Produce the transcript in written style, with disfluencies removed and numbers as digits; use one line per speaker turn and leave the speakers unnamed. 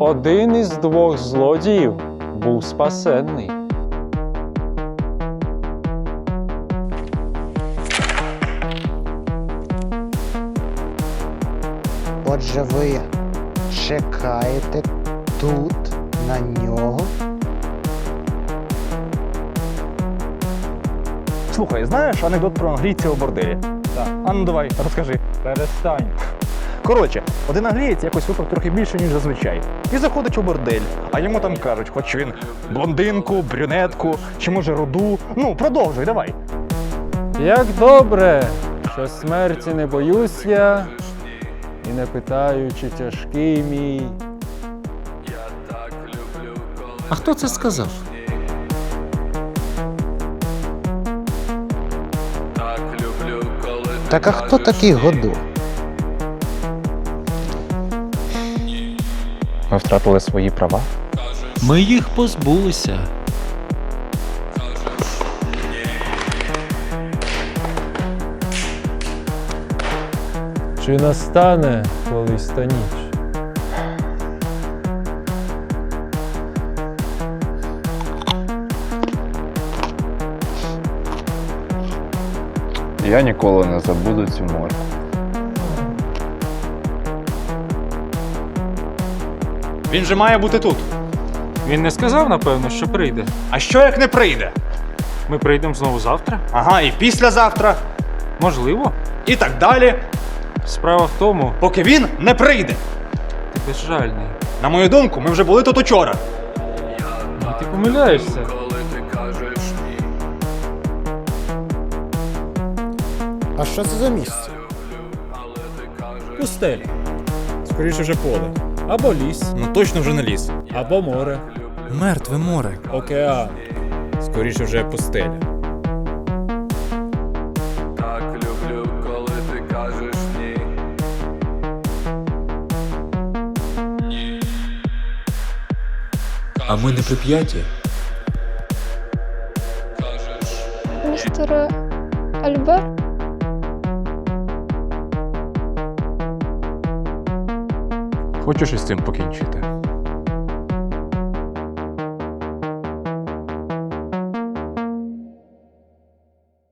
один із двох злодіїв був спасенний.
Отже, ви чекаєте тут на нього?
Слухай, знаєш анекдот про англійця у борделі?
Так.
А ну давай, розкажи.
Перестань.
Коротше, один англієць якось випив трохи більше, ніж зазвичай. І заходить у бордель, а йому там кажуть, хоч він блондинку, брюнетку, чи може руду. Ну, продовжуй, давай.
Як добре, що смерті не боюсь я, і не питаю, чи тяжкий мій.
А хто це сказав?
Так а хто такий Годо?
Ми втратили свої права.
Ми їх позбулися.
Чи настане колись та ніч?
Я ніколи не забуду цю морку.
Він же має бути тут.
Він не сказав, напевно, що прийде.
А що як не прийде?
Ми прийдемо знову завтра?
Ага, і післязавтра,
Можливо.
і так далі,
Справа в тому,
поки він не прийде.
ти безжальний.
На мою думку, ми вже були тут учора.
Ти помиляєшся.
А що це за місце?
Пустеля. Скоріше вже поле. Або ліс,
Ну точно вже не ліс.
або море.
Мертве море.
Океан. Скоріше вже пустеля.
А ми не прип'яті.
Містер Альбер?
Хочеш із цим покінчити?